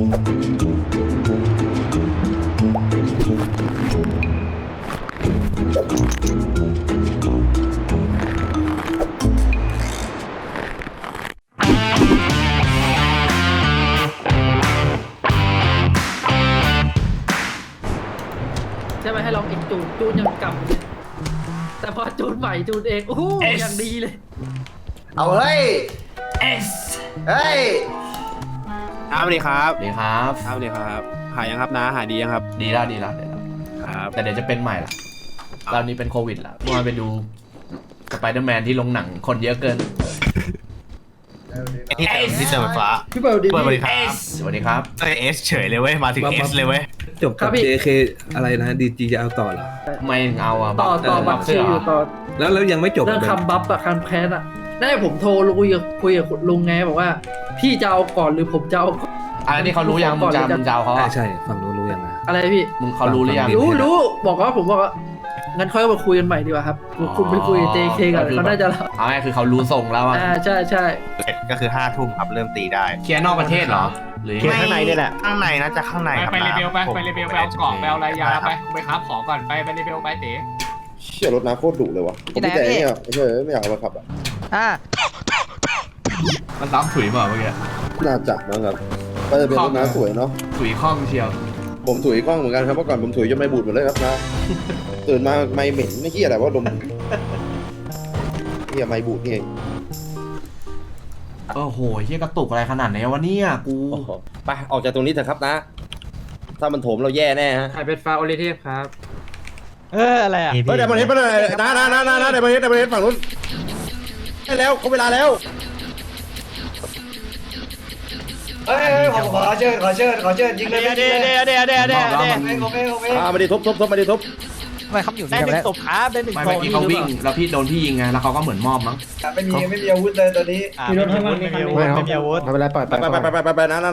ใช่ไหมให้ลองอีกจูนยังกำเลยแต่พอจูนใหม่จูนเองโอ้โหอย่างดีเลยเอาเฮ้ยเฮ้ยสวัสดีครับดีครับสวัสดีครับ หายยังครับนะหายดียังครับดีแล้วครับแต่เดี๋ยวจะเป็นใหม่ละตอนนี้เป็นโควิดละเมื่อวานไปดูสไปเดอร์แมนที่ลงหนังคนเยอะเกินที่เติมไฟฟ้าพี่เบิร์ดดีสวัสดีครับสวัสดีครับเอสเฉยเลยเว้ยมาถึงเอสเลยเว้ยจบกับ JK อะไรนะดีจีจะเอาต่อเหรอไม่เอาอะต่อบัฟเสื้ซีออยู่ต่อแล้วยังไม่จบเรื่องคำบัฟอะคำแค้นอะได้ผมโทรคุยกับลุงไงบอกว่าพี่จะเอาก่อนหรือผมจะเอาก่อนอันนี้เขารู้ยังมึงจะเอาเขาใช่ฝั่งนู้นรู้ยังนะอะไรพี่มึงเขารู้หรือยังรู้บอกว่าผมบอกว่างั้นค่อยมาคุยกันใหม่ดีกว่าครับคุณไปคุยกับ JK กันเขาน่าจะเอาไงคือเขารู้ทรงแล้วว่าใช่ก็คือ5 ทุ่มครับเริ่มตีได้เคลียร์นอกประเทศเหรอหรือเคลียร์ข้างในนี่แหละข้างในน่าจะข้างในครับไปเรเบลไปเรเบลไปเอากล่องไปเอาอะไรยาไปไปค้าของก่อนไปเรเบลไปเต๋เชี่ยรถน้ำโคตรดุเลยวะผมแต่เนี่ยไม่อยากเอามาขับอ่ะมันซ้ำถุยเปล่าเมื่อกี้น่าจับนะครับก็จะเป็นรถน้ำสวยเนาะถุยข้องเชียวผมถุยกล้องเหมือนกันครับเมื่อก่อนผมถุยจนไม่บูดหมดเลยครับนะตื่นมาไม่เหม็นไม่เหี้ยอะไรว่าดมเหี้ยไม่บูดนี่เองโอ้โหเฮียกระตุกอะไรขนาดไหนวะเนี่ยกูไปออกจากตรงนี้เถอะครับนะ ถ้ามันโถมเราแย่แน่ฮะใครเป็นฟาโอลิเทพครับอะไรอ่ะเฮ้ยเดี๋ยวมันเห็นไปเลยนะเดี๋ยวมันเห็นฝั่งนู้นได้แล้วเขาเวลาแล้วเฮ้ยผมขอเชิญยิงเลยเดี๋ยวมาดิทุบมาดิทุบทำไมเขาอยู่ได้หนึ่งศพครับได้หนึ่งไม่เมื่อกี้เขาวิ่งแล้วพี่โดนพี่ยิงไงแล้วเขาก็เหมือนมอบมั้งไม่มีอาวุธเลยตอนนี้มีรถข้างล่างไม่มีอาวุธไม่เป็นไรปล่อยไปนะ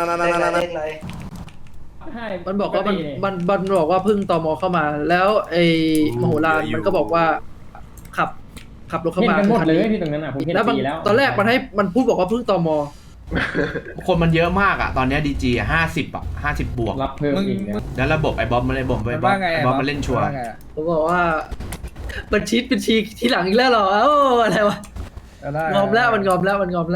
มันบอกว่ามันบอกว่าเพิ่งตมเข้ามา แล้วไอ้มโหฬารมันก็บอกว่าขับรถเข้ามาหมดเลยที่ตรงนั้นอ่ะผมเห็นแล้วตอนแรกมันพูดบอกว่าเพิ่งตมคนมันเยอะมากอะตอนนี้ดีจี50อะ50 บวกรับเพิ่มอีกแล้วระบบไอ้บ๊อบมันเลยบ่มไอ้บ๊อบมันเล่นชัวร์ผมบอกว่าบัญชีเป็นชีที่หลังอีกแล้วเหรออะไรวะงอมแล้วมันงอมแล้ว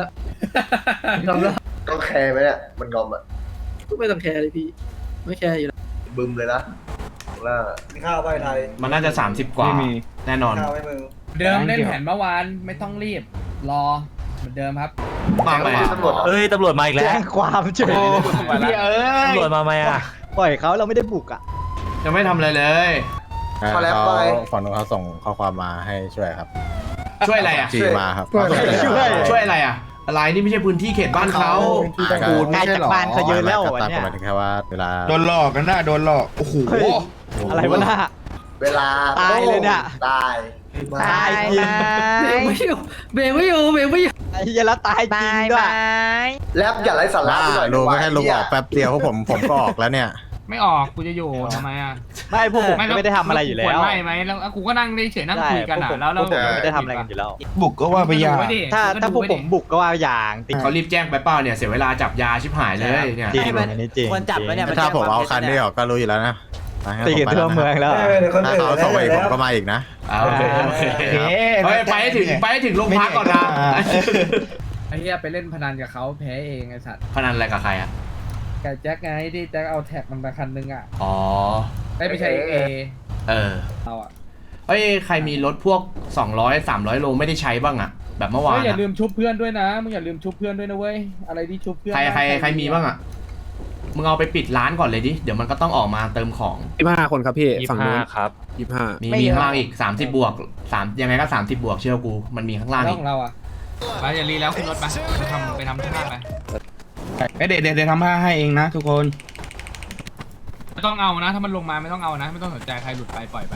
ต้องแคร์ไหมเนี่ยมันงอมอ่ะก็ไม่ต้องแคร์เลยพี่ไม่แคร์อยู่แล้วบึมเลยนะล่ามีข้าวไปไทยมันน่าจะ30 กว่าแน่นอนข้าวให้มึงเดิมเล่นแผนเมื่อวานไม่ต้องรีบรอเหมือนเดิมครับมาไหมเอ้ยตำรวจมาอีกแล้วแจ้งความเฉยตำรวจมาไหมอ่ะปล่อยเขาเราไม่ได้บุกอ่ะยังไม่ทำอะไรเลยพอแล้วไปฝั่งนู้นเขาส่งข้อความมาให้ช่วยครับช่วยอะไรอะจีมาครับช่วยอะไรอะอะไรนี่ไม่ใช่พื้นที่เขตบ้านเขาปูนไกลจากบ้านเขาเยอะแล้วตามเนี่ยหมายถึงแค่ว่าเวลาโดนหลอกกันนะโดนหลอกโอ้โหอะไรวะน่ะเวลาตายเลยเนี่ยตายตายจริงเบรกไม่อยู่ไอ้เหี้ยแล้วตายจริงด้วยแลบอย่าไรสาระหน่อยลุงไม่ให้ลุงออกแป๊บเดียวเพราะผมก็ออกแล้วเนี่ยไม่ออกกูจะอยู่ทำไมอ่ะไม่พวกผมไม่ได้ทำอะไรอยู่แล้วไม่ไหมแล้วกูก็นั่งเฉยนั่งคุยกันอ่ะแล้วเราไม่ได้ทำอะไรกันอยู่แล้วบุกก็ว่าไปยาถ้าพวกผมบุกก็ว่าอย่างติดเขารีบแจ้งไปเปล่าเนี่ยเสียเวลาจับยาชิบหายเลยเนี่ยจริงอันนี้จริงควรจับแล้วเนี่ยถ้าผมเอาคันนี้ออกก็รู้อยู่แล้วนะตีกันทั่วเมืองแล้วถ้าเขาส่งไปผมก็มาอีกนะโอเคไปให้ถึงโรงพักก่อนนะไอ้เหี้ยไปเล่นพนันกับเขาแพ้เองไอ้สัตว์พนันอะไรกับใครอะกับแจ็คไงที่แจ็คเอาแท็กมันมาคันนึงอ่ะอ๋อไม่ใช่เอ เราอ่ะเฮ้ยใครมีรถพวก200-300 โลไม่ได้ใช้บ้างอะแบบเมื่อวานอย่าลืมชุบเพื่อนด้วยนะมึงอย่าลืมชุบเพื่อนด้วยนะเว้ยอะไรที่ชุบเพื่อนใครมีบ้างอะมึงเอาไปปิดร้านก่อนเลยดิเดี๋ยวมันก็ต้องออกมาเติมของ 25 คนครับพี่ฝั่งนู้นครับ 25 มีข้างล่างอีก30 บวก3ยังไงก็30 บวกเชื่อกูมันมีข้างล่างอีกของเราอ่ะไปอย่ารีแล้วขึ้นรถไปทำข้างล่างไปเดี๋ยวทำผ้าให้เองนะทุกคนไม่ต้องเอานะถ้ามันลงมาไม่ต้องเอานะไม่ต้องสนใจใครหลุดไปปล่อยไป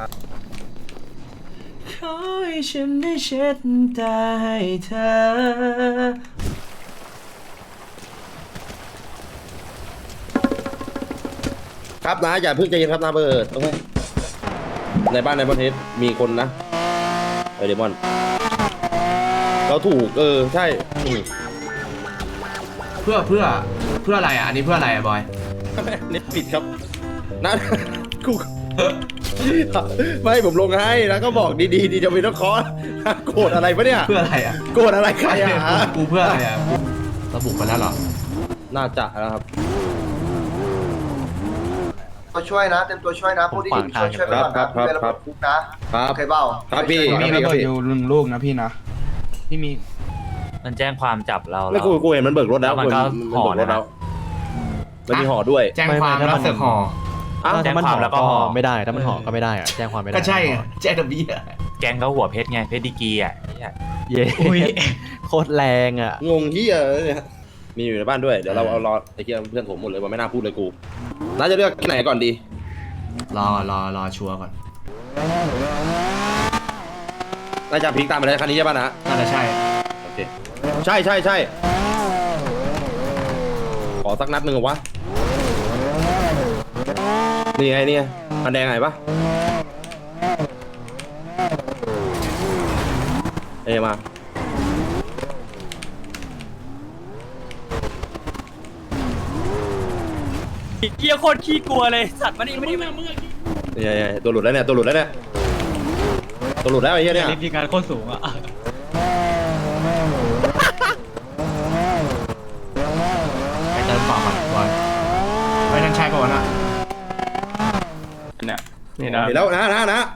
ขอให้ฉันได้เช็ดตาให้เธอครับนะอย่าเพิ่งใจเย็นครับนะเบิร์ดโอเคในบ้านในประเทศมีคนนะไอเดมอนเราถูกใช่เพื่อเพื่ออะไรอ่ะอันนี้เพื่ออะไรอ่ะบอยเน็ตปิดครับนะกูไม่ผมลงให้แล้วก็บอกดีๆดีจะมีต้องคอโกรธอะไรปะเนี่ยเพื่ออะไรอ่ะโกรธอะไรใครอ่ะกูเพื่ออะไรอ่ะระบุมาแล้วเหรอน่าจะแล้วครับตัวช่วยนะเต็มตัวช่วยนะพวกที่อยู่ช่วยไปก่อนนะเป็นระบบคุกนะครับ เคยเบ้าครับพี่มีระเบิดอยู่1 ลูกนะพี่นะที่มีมันแจ้งความจับเราไม่กูเห็นมันเบิกรถแล้วมันก็ห่อเบิกรถแล้วมันมีห่อด้วยแจ้งความแล้วเสือกห่ออ้าวแจ้งความแล้วก็ห่อไม่ได้ถ้ามันห่อก็ไม่ได้อะแจ้งความไม่ได้ก็ใช่ไงแจ้งทะเบียนแกงเขาหัวเพชรไงเพชรดีกีอ่ะเย้โคตรแรงอ่ะงงที่เนี่ยมีอยู่ในบ้านด้วยเดี๋ยวเราเอารอไอ้เหี้ยเพื่อนผมหมดเลยว่าไม่น่าพูดเลยกูน่าจะเลือกที่ไหนก่อนดีรอชัวร์ก่อนน่าจะพลิกตามไปเลยคันนี้ใช่ป่ะนะน่าจะใช่โอเคใช่ขอสักนัดหนึ่งเหรอวะนี่ไงนี่ไงคันแดงไงปะเอ้มาเกียโคตรขี้กลัวเลยสัตว์มันนี่ไม่ได้มาเมื่อกี้นี่ตัวหลุดแล้วเนี่ยตัวหลุดแล้วไอ้เหี้ยเนี่ยลิฟต์การโคตรสูงอ่ะไปเติมต่อก่อนบอยไปนั่นใช่ป่าวนะเนี่ยนี่นะเดี๋ยวแล้วนะ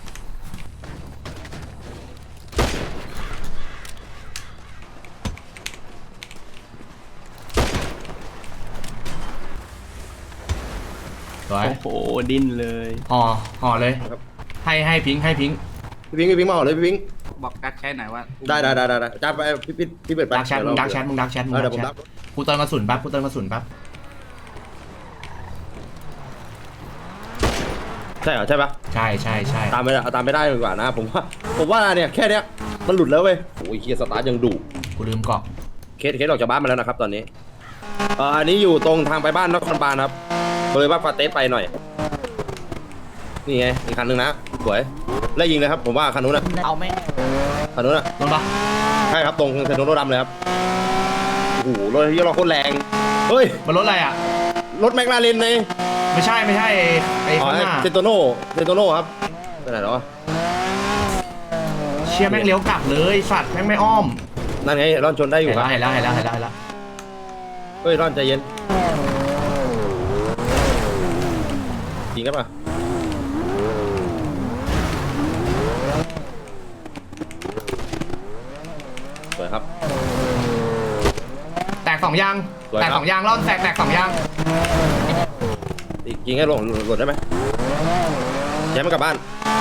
สวยโอ้โหดิ้นเลยห่อเลยให้พิงค์พี่พิงมาออกเลยพี่พิงบอกกัดแค่ไหนว่าได้จ้าไปพี่เปิดไปดักแชทมึงดักแชทเดี๋ยวผมรับกูเติมกระสุนแป๊บใช่เหรอใช่ปะใช่ตามไม่ได้ดีกว่านะผมว่าเนี่ยแค่เนี้ยมันหลุดแล้วเว้ยโอ้ยเฮียสตาร์ทยังดุกูลืมเกาะเคสออกจากบ้านมาแล้วนะครับตอนนี้อันนี้อยู่ตรงทางไปบ้านนครบาลครับเลยว่าฟาเตสไปหน่อยนี่ไงอีกคันนึงนะสวยไล่ยิงเลยครับผมว่าคันนู้นนะเอาไหมคันนู้นนะโดนปะใช่ครับตรงเซนโนโรดำเลยครับโอ้โหรถที่เราโคตรแรงเฮ้ยมันรถอะไรอ่ะรถแมคลาเรนในไม่ใช่ไอ้ข้างหน้าเซนโตโน่ครับไปไหนแล้ววะเชี่ยแม่งเลี้ยวกลับเลยสัตว์แม่งไม่อ้อมนั่นไงร่อนชนได้อยู่ครับเห็นแล้วเฮ้ยร่อนใจเย็นจริงครับป่ะสวยครับแตก2 ยางสวยครับแตก2 ยางร่อนแตก2 ยางอีกยิงให้หล่นได้ไหมแย้มมันกลับบ้าน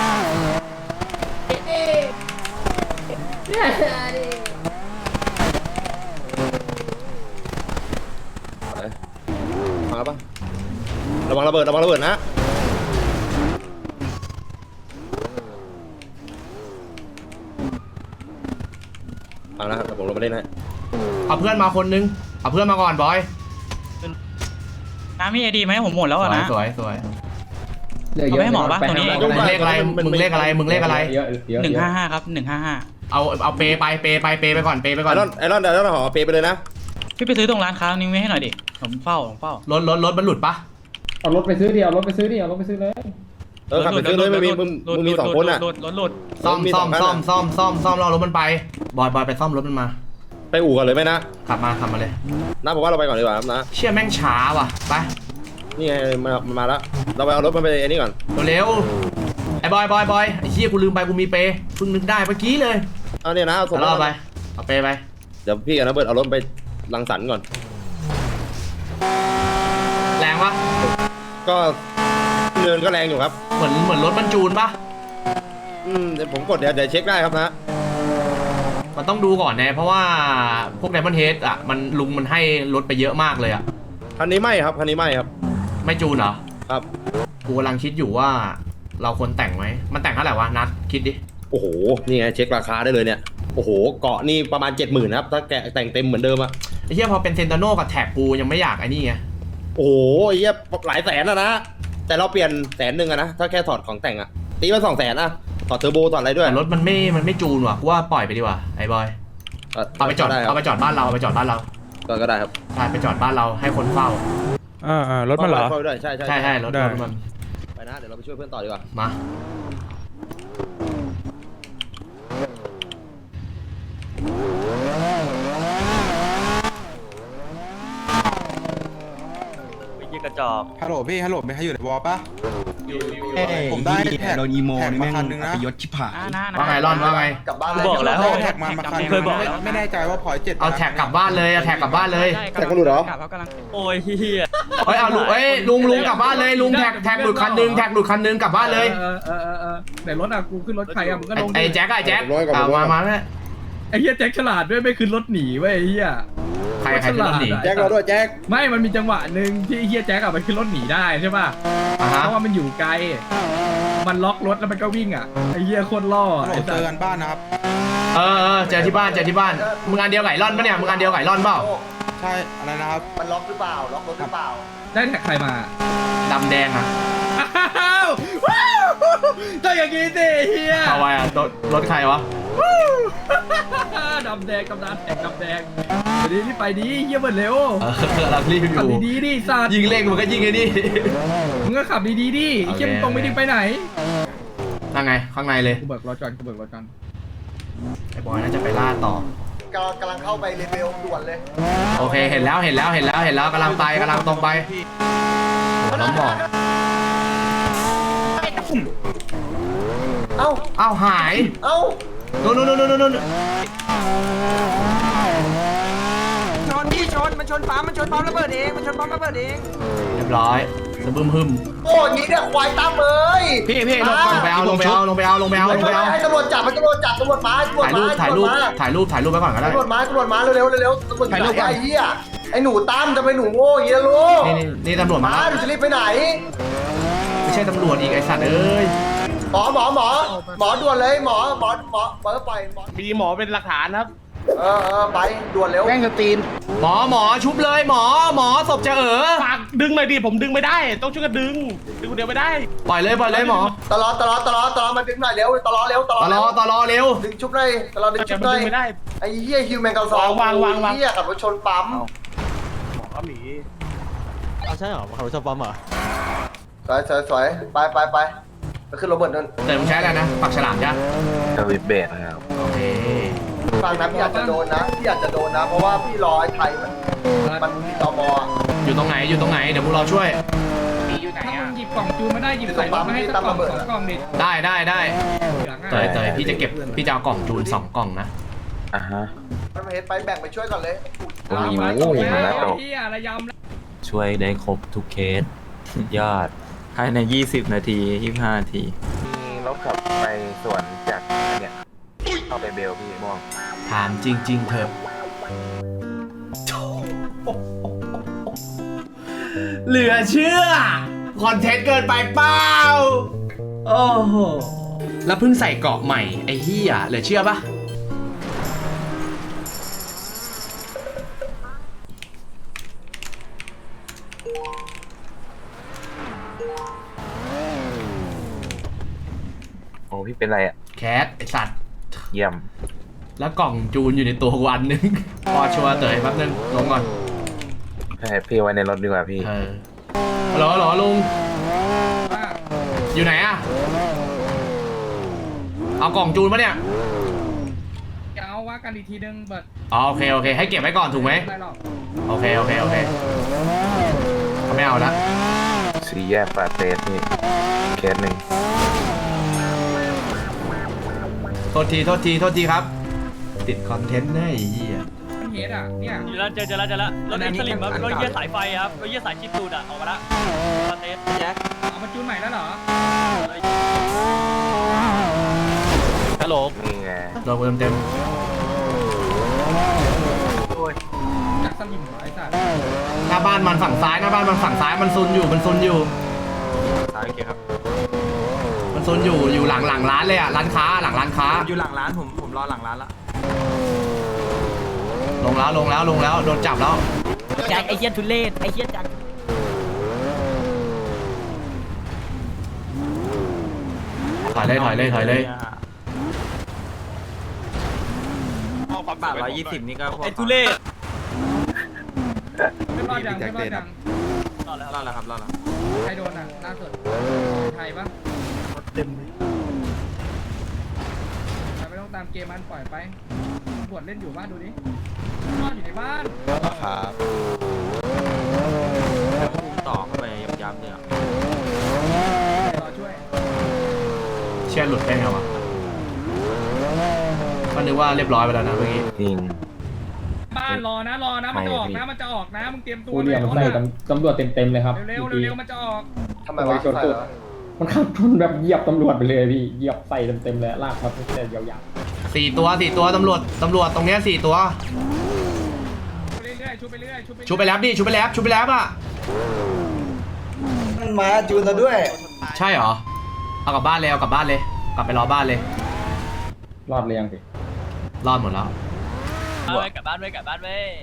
มาปะระวังระเบิดนะเอาละครับผมลงมาเล่นให้เอาเพื่อนมาคนนึงเอาเพื่อนมาก่อนบอยน้ำมีไอดีไหมผมหมดแล้วอ่ะนะสวยเอาไปให้หมอปะตรงนี้มึงเลขอะไรมึงเลขอะไร 155ครับ155 เอาเปไปไปก่อนไอรอนเดี๋ยวเราห่อเปไปเลยนะพี่ไปซื้อตรงร้านค้านี้ไว้ให้หน่อยดิผมเฝ้ารถมันหลุดปะเอารถไปซื้อดิเอารถไปซื้อเลยขับไปซื้อเลยไม่มีมึงมี2 คนอ่ะรถหลุดซ่อมรอรถมันไปบอยไปซ่อมรถมันมาไปอู่ก่อนเลยไหมนะขับมาเลยนะผมว่าเราไปก่อนดีกว่าครับนะเชี่ยแม่งช้าว่ะไปนี่ไงมันมาแล้วเราไปเอารถมันไปไอ้นี่ก่อนเร็วไอ้บอยไอ้เชี่ยกูลืมไปกูมีเปเพิ่งนึกได้เมื่อกี้เลยเอาเนี่ยนะเอาส่งเอาไปเอาเปไปเดี๋ยวพี่กับน้าเบิร์ดเอารถไปรังสรรค์ก่อนแรงปะก็เนินก็แรงอยู่ครับเหมือนรถบรรจูนปะเดี๋ยวผมกดเดี๋ยวเช็คได้ครับนะมันต้องดูก่อนนะเพราะว่าพวกไดมอนด์เฮดอ่ะมันให้รถไปเยอะมากเลยอ่ะคันนี้ไม่ครับไม่จูนเหรอครับกูกำลังคิดอยู่ว่าเราควรแต่งไหมมันแต่งเท่าไหร่วะนัดคิดดิโอ้โหนี่ไงเช็คราคาได้เลยเนี่ยโอ้โหเกาะนี่ประมาณ 70,000นะครับถ้าแกะแต่งเต็มเหมือนเดิมอะไอ้เหี้ยพอเป็นเซนตาโน่กับแท็กกูยังไม่อยากไอ้นี่ไงโอ้โหไอ้เหี้ยหลายแสนอะนะแต่เราเปลี่ยน100,000อะนะถ้าแค่ถอดของแต่งอะตีมา200,000อะถอดเทอร์โบถอดอะไรด้วยแต่รถมันไม่จูนว่ะกูว่าปล่อยไปดีกว่าไอ้บอยเอาไปจอดบ้านเราก็ได้ครับไปจอดบ้านเราให้คนเฝ้ารถมันเหรอเฝ้าด้วยใช่ใช่รถมันไปนะเดี๋ยวเราไปช่วยเพื่อนต่อดีกว่ามาไอ้เหี้ยกระจอกฮัลโหลพี่ฮัลโหลไม่ให้อยู่ในวอลปะผมได้แท็กโดนอีโมนี่แม่งอัปยศชิบหายว่าไงร่อนว่าไงกลับบ้านกูบอกแล้วแท็กมาคันเคยบอกแล้วไม่แน่ใจว่าพอย7 เอาแท็กกลับบ้านเลยเอาแท็กกลับบ้านเลยแต่ก็รู้เหรอโอ้ยเฮียเฮ้ยเอาลุงลุงกลับบ้านเลยลุงแท็กหลุดคันนึงกลับบ้านเลยไหนรถอ่ะกูขึ้นรถใครอ่ะมึงก็ลงไอ้แจ็คมาแม่ไอ้เหี้ยแจ็คฉลาดด้วยไม่ขึ้นรถหนีเว้ยไอ้เหี้ยใครขึ้นรถหนีแจ็คเราด้วยแจ็คไม่มันมีจังหวะหนึ่งที่ไอ้เหี้ยแจ็คอะไปขึ้นรถหนีได้ใช่ป่ะเพราะว่ามันอยู่ไกลมันล็อกรถแล้วมันก็วิ่งอ่ะไอ้เหี้ยโคตรล่อฮัลโหลเจอกันบ้านนะครับเจอที่บ้านมึงอันเดียวไก่ร่อนปะเนี่ยมึงอันเดียวไก่ร่อนเปล่าใช่อะไรนะครับมันล็อกหรือเปล่าล็อกรถหรือเปล่าได้แท็กใครมาดำแดงอะอ้าวว้าวต้องอย่างงี้สิเฮียเอาไว้อะรถใครวะดำแดงกำนันแท็กดำแดงเดี๋ยวนี้ไปดีเฮียเหมือนเร็วเรารีบอขับยู่ดีๆดิสัตว์ยิงเล่งมันก็ยิงไอ้นี่มึงก็ขับดีๆดิไอ้เฮียมึงตรงไม่ได้ไปไหนข้างในเลยกูเบิกรถก่อนไอ้บอยน่าจะไปล่าต่อกำลังเข้าไปเลเวลด่วนเลยโอเคเห็นแล้วกำลังตรงไปน้องบอกเอ้าหายเอ้านู่นมันชนปั๊มระเบิดเองเรียบร้อยจะบึ้มหึมโอ้ยนี้เนี่ยควายตั้มเอ้ยพี่ลงไปเอาให้ตำรวจจับตำรวจมาถ่ายรูปไปก่อนก็ได้ตำรวจมาเร็วตำรวจถ่ายรูปไอ้เหี้ยไอ้หนูตั้มจะไปหนูโง่อย่างนี้นะลูกนี่ตำรวจมามาหนูจะรีบไปไหนไม่ใช่ตำรวจอีกไอ้สัตว์เอ้ยหมอด่วนเลยหมอปล่อยมีหมอเป็นหลักฐานครับไปด่วนเร็วแม่งจะตีนหมอชุบเลยหมอศพจะฝากดึงหน่อยดิผมดึงไม่ได้ ต้องช่วยกันดึงคนเดียวไม่ได้ปล่อยเลยหมอตลอดมาดึงหน่อยเร็วตลอดเร็วตลอเร็วดึงชุบหน่อยตลอดดึงชุบหน่อยไม่ได้ไอ้เหี้ยฮิวแมนเกาซองเหี้ยขับรถชนปั๊มก็หนีใช่เหรอเขาชอบปั๊มเหรอสวยไปขึ้นโรเบิร์ตนั่นแต่มึงใช้อะไรนะปักฉลามจ้ะสวิตเบสนะครับโอเคฟังนะพี่อาจจะโดนนะเพราะว่าพี่รอไอ้ไทยมันมีตมอยู่ตรงไหนเดี๋ยวพวกเราช่วยถ้ามึงหยิบกล่องจูนมาได้หยิบใส่รถมาให้สักกล่อง2กล่องดิได้เหลืองอ่ะเตยพี่จะเอากล่องจูน2กล่องนะมันมาเห็นไปแบ่งไปช่วยก่อนเลยโอ้ยเฮียอะไรยำแล้วช่วยได้ครบทุกเคสยอดภายใน20 นาที 25 นาทีมีรถขับไปสวนจากเนี่ยเข้าไปเบลพี่ม่วงถามจริงๆเถอะเหลือเชื่อคอนเทนต์เกินไปเปล่าโอ้โหแล้วเพิ่งใส่เกาะใหม่ไอ้เหี้ยเหลือเชื่อปะโอ้พี่เป็นไรอ่ะแคทไอสัตว์เยี่ยมแล้วกล่องจูนอยู่ในตัวกูอันนึง พอชัวร์เตยแป๊บนึงลงก่อนให้พี่ไว้ในรถดีกว่าพี่หรอลุงอยู่ไหนอะเอากล่องจูนปะเนี่ยจะเอาว่ากันอีกทีนึงเบิร์ดอ๋อโอเคให้เก็บไว้ก่อนถูกไหมไม่หรอกโอเคเขาไม่เอาละสี่แยกปาเตสนี่เคสหนึ่งโทษทีครับ ติดคอนเทนต์แน่ไอ้เหี้ยมันเฮดอ่ะเนี่ยเจอแล้วรถเอ็กซ์สลิมครับรถเยี่ยสายไฟครับรถเยี่ยสายชิดตูดออกมาละคอนเทสแจ็คเอามาจูนใหม่แล้วเหรอฮัลโหลนี่ไงโดนเต็มจากสลิมเหรอไอ้สัตว์หน้าบ้านมันฝั่งซ้ายมันซุนอยู่ซ้ายโอเคครับมันซุนอยู่หลังร้านเลยอะร้านค้าหลังร้านค้าอยู่หลังร้านผมรอหลังร้านละลงแล้วโดนจับแล้วแจ็คไอเหี้ยทุเรศไอเหี้ยจังถอยเลยบาท120นี่ก็พอไอทุเรศรอดยังแจ็ครอเดดนยังรอดแล้วรอดแล้วครับรอดแล้วใครโดนอ่ะล่าสุดไทยปะเต็มไม่ต้องตามเกมมันปล่อยไปตำรวจเล่นอยู่บ้านดูดินอนอยู่ในบ้านครับพุ่งต่อเข้าไปย้ำๆเนี่ยรอช่วยเชี่ยหลุดได้ไงวะก็นึกว่าเรียบร้อยไปแล้วนะเมื่อกี้จริงบ้านรอนะมันจะออกนะมันจะออกนะมึงเตรียมตัวกูเรียกใส่ตำรวจเต็มๆเลยครับเร็วมันจะออกทำไมวะมันขับชนแบบเหยียบตำรวจไปเลยพี่เหยียบใส่เต็มๆเลยลากครับแต่ยาว 4 ตัวตำรวจตรงเนี้ย4 ตัวเรื่อยๆชุบไปเรื่อยชุบไปแล้วดิชุบไปแล้วอ่ะมันมาจูนเราด้วยใช่เหรอเอากลับบ้านเลยกลับไปรอบ้านเลยๆรอดเรียงสิรอดหมดแล้วกลับบ้านเว้ยไปกลับบ้าน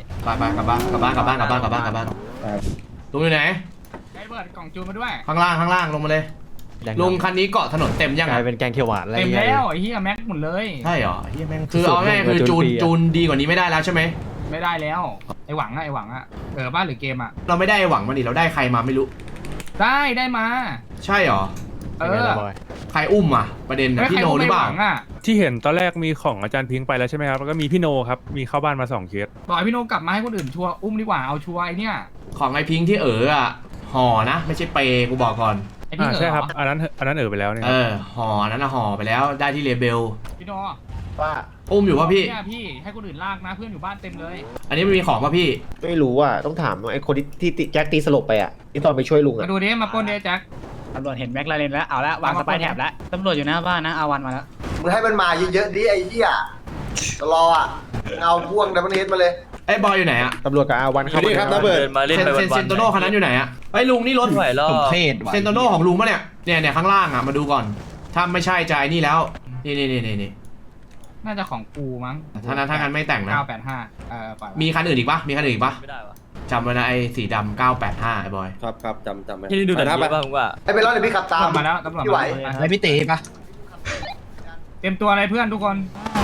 ลุงอยู่ไหนไอ้เบิร์ดกล่องจูนมาด้วยข้างล่างลงมาเลยลุงคันนี้เกาะถนนเต็มยังกลายเป็นแกงเขียวหวานอะไรเต็มแล้วไอ้เหี้ยแม็กหมดเลยใช่เหรอเฮียแม่งคือเอาง่ายคือจูนดีกว่านี้ไม่ได้แล้วใช่ไหมไม่ได้แล้วไอ้หวังอะบ้านหรือเกมอะเราไม่ได้หวังมาดิเราได้ใครมาไม่รู้ได้มาใช่เหรอ ใครอุ้มอ่ะประเด็นนะพี่โนหรือเปล่าที่เห็นตอนแรกมีของอาจารย์พิงค์ไปแล้วใช่ไหมครับแล้วก็มีพี่โนครับมีเข้าบ้านมา2 เคสบอกให้พี่โนกลับมาให้คนอื่นชัวร์อุ้มดีกว่าเอาชัวร์ไอ้เนี่ยของไอพิงค์ที่อ่ะห่อนะไม่ใช่เปย์กูบอกก่อนไอ้พี่เหรอใช่ครับอันนั้นไปแล้วเนี่ยห่อนั้นนะห่อไปแล้วได้ที่เลเบลพี่โนว่าอุ้มอยู่ป่ะพี่เนี่ยพี่ให้คนอื่นลากนะเพื่อนอยู่บ้านเต็มเลยอันนี้มันมีของป่ะพี่ไม่รู้อ่ะต้องถามไอ้คนที่แจ็คตีสลบไปอ่ะที่ตอนไปช่วยลุงมาอ่ะดูดิมาปล้นเดแจ็คตำรวจเห็นแม็กลาเรนแล้วเอาละวางสไปร์แท็บแล้วตำรวจอยู่หน้าบ้านนะอาวันมาแล้วมึงให้มันมาเยอะๆดิไอ้เหี้ยรออ่ะเอาพ่วงดับเบิลเฮดมาเลยไอ้บอยอยู่ไหนอ่ะตำรวจกับอาวันเข้านี่ครับระเบิดมาเล่นไปวันเซนโตโน่คันนั้นอยู่ไหนอ่ะไอ้ลุงนี่รถไหวรอเทศว่ะเซนโตโน่ของลุงปะเนี่ยข้างล่างอ่ะมาดูก่อน ถ้าไม่ใช่ใจนี่แล้วนี่น่าจะของกูมั้งถ้างั้นไม่แต่งนะ 985ปล่อยมีคันอื่นอีกปะไม่ได้วะจำไว้นะไอ้สีดำ985ไอ้บอยครับจำไว้ที่นี่ดูหนังไปเยอะป่ะผมว่าไอ้เบลล์เดี๋ยวพี่ขับตามมาแล้วตำรวจพี่ไหวไอพี่ตีปะเตรียมตัวอะไรเพื่อนทุกคน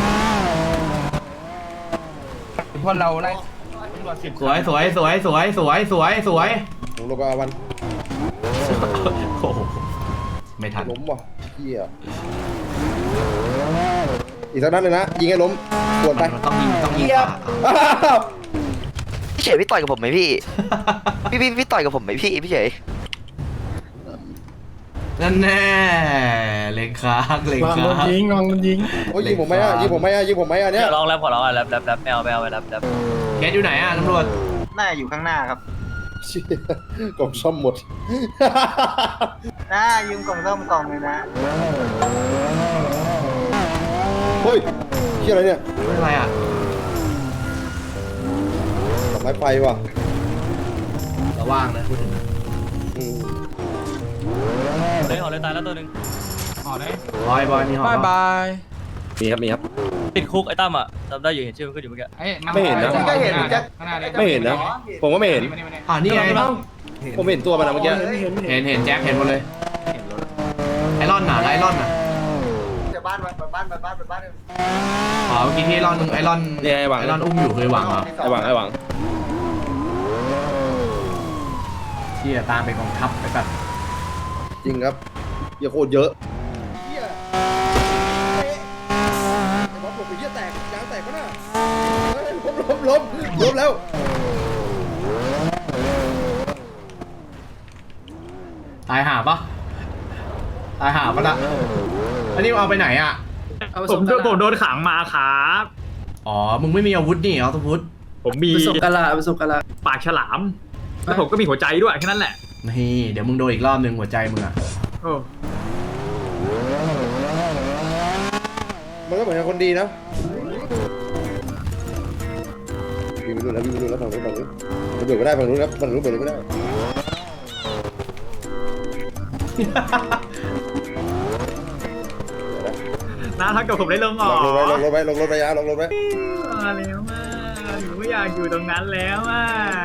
พวกเราไล่สวยผมลงกับอาวันโอ้โหไม่ทันล้มว่ะเหี้ยอีกสักนัดเลยนะยิงให้ล้มปวดไปมันต้องยิงพี่เฉยพี่ต่อยกับผมไหมพี่ พี่ต่อยกับผมไหมพี่เฉยนั่นแน่เล็งค้างโอ้ยยิงผมไหมอ่ะเนี่ยลองแรปขอร้องอ่ะแรปแมวไปแรปเกตอยู่ไหนอ่ะตำรวจน่าอยู่ข้างหน้าครับกล่องซ่อมหมดน่ายืมกล่องส้มกล่องเลยนะเฮ้ยเชี่ยอะไรเนี่ยอะไรอ่ะดอกไม้ไฟว่ะระว่างนะพูดถึงอืมเลยหอเลยตายแล้วตัวนึงห่อได้บอยมีหอมบายมีครับติดคุกไอ้ตั้มอ่ะจำได้อยู่เห็นชื่อมันขึ้นอยู่เมื่อกี้ไม่เห็นนะก็เห็นแจ็คข้างหน้าเลยไม่เห็นนะ ผมก็ไม่เห็นนี่ไงผมเห็นตัวมันนะเมื่อกี้เห็นแจ็คเห็นหมดเลยไอรอนน่ะไอรอนน่ะจะบ้านอ๋อเมื่อกี้ที่ไอรอนไอรอนเนี่ยไอ้หวังไอรอนอุ้มอยู่เคยหวังเหรอไอ้หวังที่จะตามไปกองทัพไปแบบจริงครับเหี้ยโคตรเยอะเหี้ยไอ้บอสผมไปเหี้ยแตกยางแตกปะน่ะล้มแล้วตายหาปะละอันนี้เอาไปไหนอ่ะผมโดนขังมาครับอ๋อมึงไม่มีอาวุธนี่เอาทุพุทธผมมีประสบการณ์ปากฉลาม แล้วผมก็มีหัวใจด้วยแค่นั้นแหละนี่เดี๋ยวมึงโดนอีกรอบนึงหัวใจมึงอ่ะมันก็เหมือนคนดีนะวิ่งไปดูแล้วฝั่งนู้นมันเบิกไม่ได้ฝั่งนู้นครับฝั่งนู้นเบิกไม่ได้นะถ้าเกิดผมได้ลงออกลงรถไปลงรถไปมาแล้วมาหนูไม่อยากอยู่ตรงนั้นแล้วอ่ะ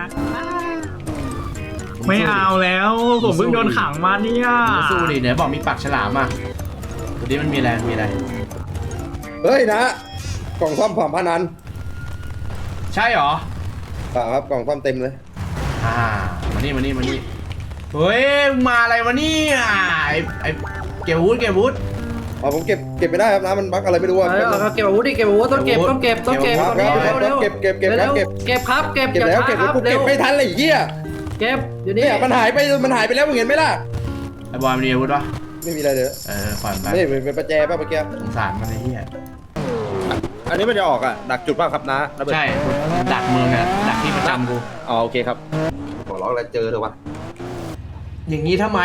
ไม่เอาแล้วผมเพิ่งโดนขังมาเนี่ยสู้ดิไหนบอกมีปากฉลามอ่ะตัวนี้มันมีอะไรเฮ้ยนะกล่องซ่อมผ่านพนันใช่เหรอเปล่าครับกล่องซ่อมเต็มเลยหมานี่เฮ้ยมาอะไรวะเนี่ยไอ้เก็บอาวุธอ๋อผมเก็บไม่ได้ครับน้ำมันบั๊กอะไรไม่รู้อ่ะเอาเก็บอาวุธดิเก็บอาวุธต้องเก็บตอนนี้เร็วเก็บเก็บครับเก็บแล้วเก็บแล้วกูเก็บไม่ทันเลยเหี้ยเก็บอยู่นี่เนี่ยมันหายไปแล้วมึงเห็นไหมล่ะไอ้บอยมันมีอาวุธปะไม่มีอะไรเลยฝันไปนี่เป็นประแจป่ะเมื่อกี้สงสารมันไอ้เหี้ยอันนี้มันจะออกอ่ะดักจุดป่ะครับนะระเบิดใช่ดักเมืองเนี่ยดักที่ประจำกูอ๋อโอเคครับขอร้องอะไรเจอเถอะวะอย่างนี้ทำไม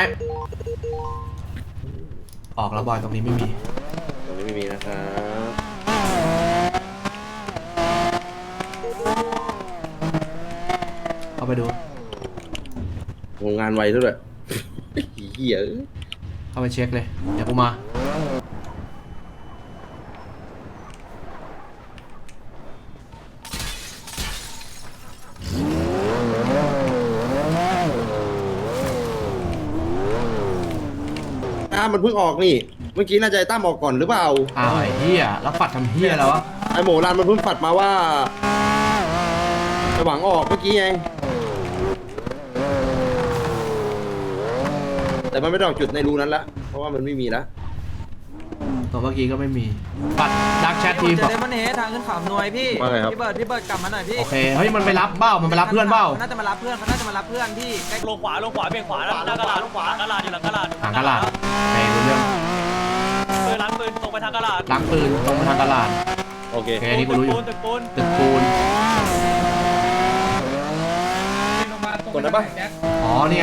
ออกแล้วบอยตรงนี้ไม่มีตรงนี้ไม่มีนะครับเข้าไปดูโรงงานไวด้วยเหี้ยเข้าไปเช็คเลยเดี๋ยวกูมามันเพิ่งออกนี่เมื่อกี้น่าจะไอ้ตั้มออกก่อนหรือเปล่าอ้าวไอ้เหี้ยแล้วปัดทำเหี้ยแล้ววะไอ้โหมรันมันเพิ่งปัดมาว่าจะหวังออกเมื่อกี้ไงแต่มันไม่ได้ออกจุดในรูนั้นละเพราะว่ามันไม่มีละตัวเมื่อกี้ก็ไม่มีปัดดักแชททีมจะได้มันเฮทางขึ้นเขาหน่วยพี่ว่าไงครับพี่เบิร์ดกลับมาหน่อยพี่โอเคเฮ้ยมันไปรับเบ้ามันไปรับเพื่อนเบ้าน่าจะมารับเพื่อนพี่ใกล้ลงขวาเบี่ยงขวาแล้วหน้ากระดาษลงขวากระดาษอยู่หลังกระดาษหางกระลาดในรู้เรื่องปืนล้างปืนตรงไปทางกระดาษล้างปืนตรงไปทางกระลาดโอเคโอเคนี่กูรู้อยู่ตึกปูนตึกปูนกดได้ปะอ๋อนี่ไง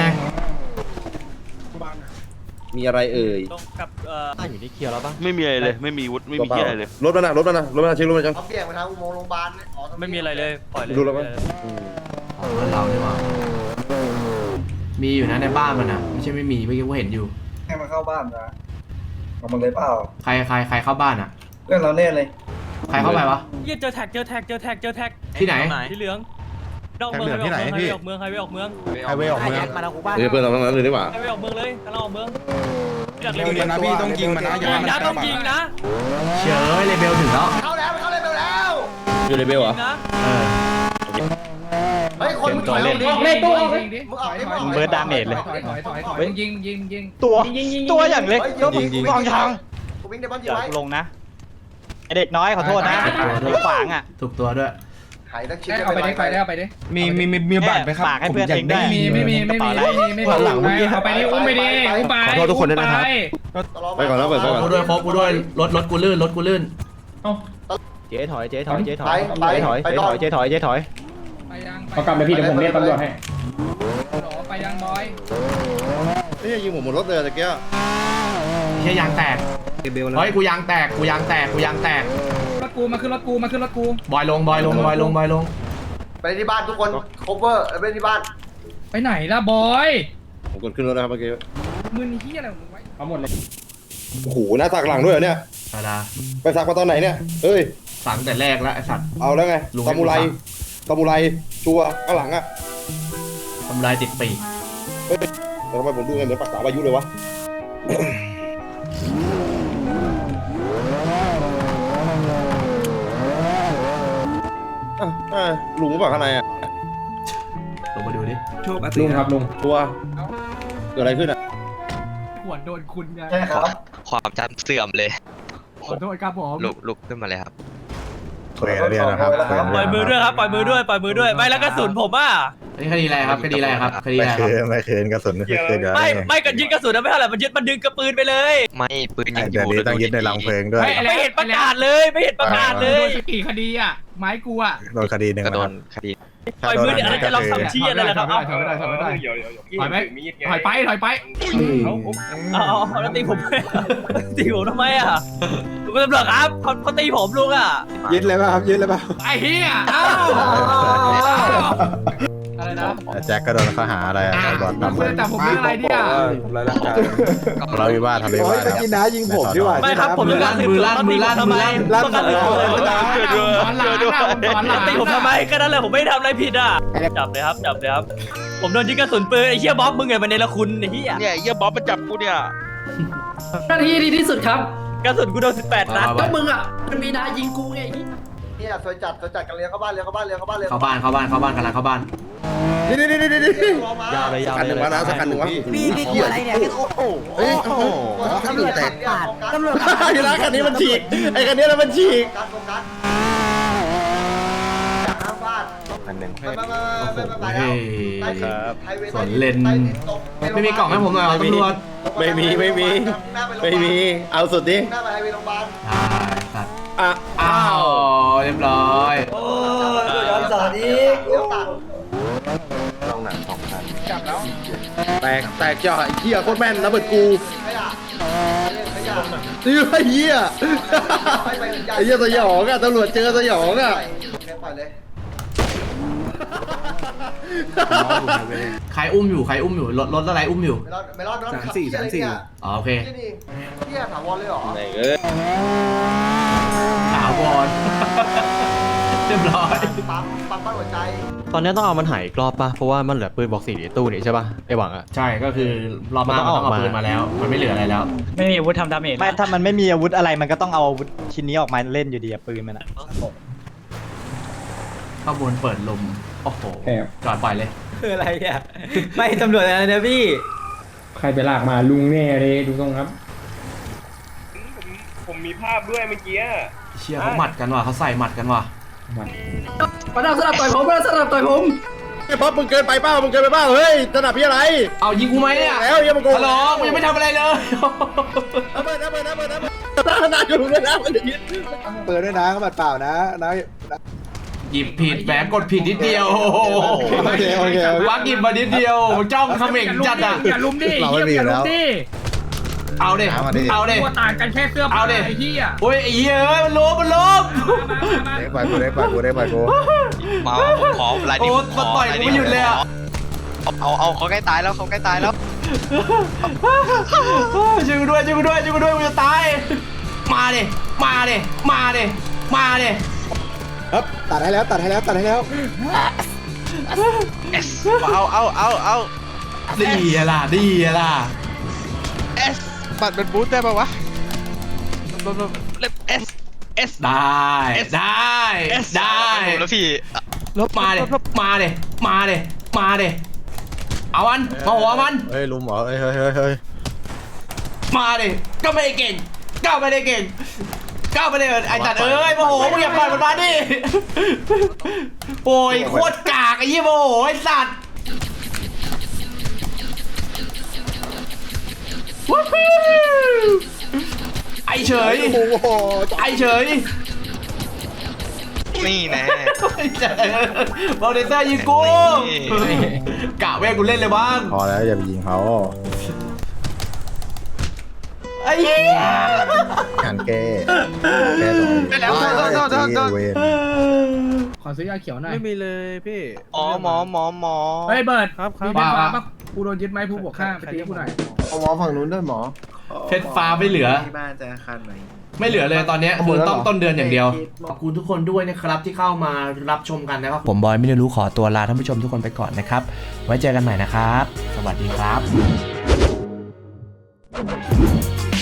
มีอะไรเอ่ยตรงกับอยู่ที่เคียวแล้วปะไม่มีอะไรเลย ไม่มีวุฒิไม่มีอะไรเลยรถมันนะเช็ครถมันจังเขาเบี่ยงไปทางอุโมงค์โรงพยาบาลอ๋อไม่มีอะไรเลยปล่อยเลยดูแล้วมั้ยอ๋อเพื่อนเรานี่หว่ามีอยู่นะในบ้านมันอ่ะไม่ใช่ไม่มีเมื่อกี้กูเห็นอยู่ให้มันเข้าบ้านนะเอามันเลยเปล่าใครเข้าบ้านอ่ะเรื่องเราแน่เลยใครเข้าไปวะเยี่ยเจอแท็กที่ไหนที่เหลืองนอกเมืองไฮเวย์ออกเมืองไฮเวย์ออกเมืองมาทางกูบ้านเพื่อนเราทั้งนั้นเลยนี่หว่าไฮเวย์ออกเมืองเลยกำลังออกเมืองอยากเร็วยิงนะพี่ต้องยิงมันนะอย่าให้มันนะต้องยิงนะเฉยเลเบลถึงแล้วเข้าแล้วเข้าเลยแล้วอยู่ในเบลเหรอนะเฮ้ยคนมึงถอยออกดิออกเลยตู้ออกเลยมึงออกดิมึงออกเบิร์ดดาเมจเลยถอยยิงตัวอย่างเล็กก็ยิงมองทางกูวิ่งในบ้านยิงไว้ลงนะไอเด็กน้อยขอโทษนะขวางอ่ะถูกตัวด้วยหายนักชิดเอาไปดิมีบัตรไหมครับฝากให้เพื่อนเองด้วยไม่มีหลังเอาไปดิอุ้มไปดิอุ้มไปขอโทษทุกคนด้วยนะครับไปก่อนแล้วเปิดไปก่อนกูด้วยครบกูด้วยรถกูลื่นเจ๊ถอยไปเขากลับไปพี่เดี๋ยวผมเรียกตำรวจให้ไปยังบอยนี่ยิงผมหมดรถเลยตะเกียบเฮียยางแตกเฮ้ยกูยางแตกรถกูมาขึ้นรถกูบอยลงไปที่บ้านทุกคน cover ไปที่บ้านไปไหนล่ะบอยผมกดขึ้นรถนะครับเมื่อกี้มึงที่อะไรของมึงไว้เอาหมดเลยโอ้โหหน้าสักหลังด้วยเหรอเนี่ยธรรมดาไปสักมาตอนไหนเนี่ยเฮ้ยสั่งแต่แรกแล้วไอ้สัตว์เอาแล้วไงลุงซามูไรชัวร์ข้างหลังอ่ะทำลายติดปีกแต่ทำไมผมดูไงเหมือนปักษาอายุเลยวะ ลุงก็บอกข้างในอ่ะลงมาดูดิลุงครับลุงตัวเกิดอะไรขึ้นอ่ะหัวโดนคุณไงใช่ครับความจำเสื่อมเลยขอโทษครับผมลุกขึ้นมาเลยครับเรียนนะครับปล่อยมือด้วยครับปล่อยมือด้วยไม่แล้วกระสุนผมอ่ะนี่คดีอะไรครับคดีอะไรครับไม่คืนกระสุนไม่คืนไม่กันยึดกระสุนไม่เท่าไหร่มันยึดมันดึงกระปืนไปเลยไม่ปืนยังอเดี๋ยวยู่นี้ต้องยึดในรังเพลิงด้วยไม่เห็นประกาศเลยไม่เห็นประกาศเลยกี่คดีอ่ะไม้กูอ่ะโดนคดีหนึ่งก็โดนนะครับคดีปล่อยมือเดี๋ยวจะลองทำชี้อะไรล่ะครับถอยไม่ได้ถอยไปเอาแล้วตีผมทำไมอ่ะคุณตำรวจครับเขาตีผมลุงอ่ะยึดเลยป่ะครับยึดเลยป่ะไอ้เหี้ยอะไรนะแจ็คก็โดนข้อหาอะไรบอลมึงจับผมเรื่องอะไรเนี่ยเราวิวาททะเลวาทครับกินน้ายิงผมดีกว่าไม่ครับผมจะการสืบสวนทำไมต้องการสืบสวนตีผมทำไมก็นั่นแหละผมไม่ได้ทำอะไรผิดอ่ะจับเลยครับผมโดนยิงกระสุนปืนไอ้เหี้ยบ๊อบมึงไงมันเนรคุณไอ้เหี้ยเนี่ยเยี่ยบ๊อบมันจับกูเนี่ยหน้าที่ดีที่สุดครับกระสุนกูโดน18นัดก็มึงอ่ะมันมีนายยิงกูไงเนี่ยสวยจัดกันเลี้ยงเข้าบ้านเข้าบ้านกำลังเข้าบ้านนี่ยาวเลยยาวเลยสักคันหนึ่งวะพี่อะไรเนี่ยโอ้โหเฮ้ยโอ้โหตำรวจแตกตำรวจไอ้ร้านคันนี้มันฉีกไอ้คันนี้แล้วมันฉีกการโฟกัสจากข้างบ้านอันหนึ่งสนเลนไม่มีกล่องให้ผมหน่อยตำรวจไม่มีเอาสุดดิหน้าไปไฮเวย์โรงพยาบาลสัตว์อ้าวเรียบร้อยโอ้ยย้อนสอนอีกเดี๋ยวตัดลองหนัง2 คันแตกจ่อไอ้เหี้ยโคตรแม่นนะเบิดกูขยะขยะนี่ไอ้เหี้ยไอ้เหี้ยสยองอ่ะตำรวจเจอสยองอ่ะปล่อยเลยใครอุ้มอยู่รถอะไรอุ้มอยู่ไม่รอดอ๋อโอเคที่ถาวรเลยเหรอไหนเอ้ยถาวร เรียบร้อยปั๊มปั้นหัวใจตอนนี้ต้องเอามันหายอีกรอบป่ะ เพราะว่ามันเหลือปืนบอก4ในตู้นี่ใช่ป่ะไอหวังอะใช่ก็คือรอบหน้ามันต้องเอาปืนมาแล้ว มันไม่เหลืออะไรแล้วไม่มีอาวุธทำดาเมจไม่ถ้ามันไม่มีอาวุธอะไรมันก็ต้องเอาอาวุธชิ้นนี้ออกมาเล่นอยู่ดีปืนมันอะข้างบนเปิดลมโอ้โหจอดปล่อยเลยคืออะไรอ่ะไม่ตำรวจอะไรนะพี่ใครไปลากมาลุงแน่เลยดูตรงครับผมมีภาพด้วยเมื่อกี้เชี่ยเขาหมัดกันว่ะเขาใส่หมัดกันว่ะมาดามสลับต่อยผมมาดามสลับต่อยผมไอ้ป๊อปมึงเกินไปเปล่าเฮ้ยสนับพี่อะไรเอายิงกูไหมเนี่ยแล้วยังมาโกงฮัลโหลกูยังไม่ทำอะไรเลยระเบิดนานอยู่เลยนะมันอย่างนี้เปิดด้วยนะเขาบัดเปล่านะนะหยิบผิดแหมกดผิดนิดเดียวโอเควักหยิบมานิดเดียวจ้องเขม่งจัดอ่ะอย่าลุมดิเฮียอย่าลุมดิเอาดิเอาดิตัวต่างกันแค่เสื้อผ้าไอ้เฮียโอ้ยไอ้เหี้ยเอ้ยมันล้มได้ไปกูได้กูมาผมขอรายโอ้นี้มันต่อยกูไม่หยุดเลยอ่ะเอาเขาใกล้ตายแล้วเขาใกล้ตายแล้วช่วยกูด้วยกูจะตายมาดิครับตัดให้แล้วเอาดีอะล่ะเอสบัตรเป็นบูทได้ปะวะเล็บเอสได้แล้วพี่มาดิเอามันมาหัวมันเฮ้ยลุมเหรอเฮ้ยมาดิก็ไม่ได้เก่งก้าวไปเลยไอ้จัดเอ้ยโมโหมึงอย่าปล่อยมันมาดิโอ้ยโคตรกากไอ้ยี่โมโหไอ้สัตว์ไอ้เฉยนี่แน่บอลเดเตอร์ยิงกูกะเว้ยกูเล่นเลยบ้างพอแล้วอย่าไปยิงเขาไอ้เหี้ยงานแก้ต่อเวนขอซื้อยาเขียวหน่อยไม่มีเลยพี่อ๋อหมอเฮ้ยเบิร์ดครับมีเพชรฟ้าปะกูโดนยึดไม้ผู้บวกข้างไปตีกูหน่อยหมอฝั่งนู้นด้วยหมอเพชรฟ้าไม่เหลือที่บ้านจะคันไหนไม่เหลือเลยตอนนี้คือต้องต้นเดือนอย่างเดียวขอบคุณทุกคนด้วยนะครับที่เข้ามารับชมกันนะครับผมบอยไม่ได้รู้ขอตัวลาท่านผู้ชมทุกคนไปก่อนนะครับไว้เจอกันใหม่นะครับสวัสดีครับ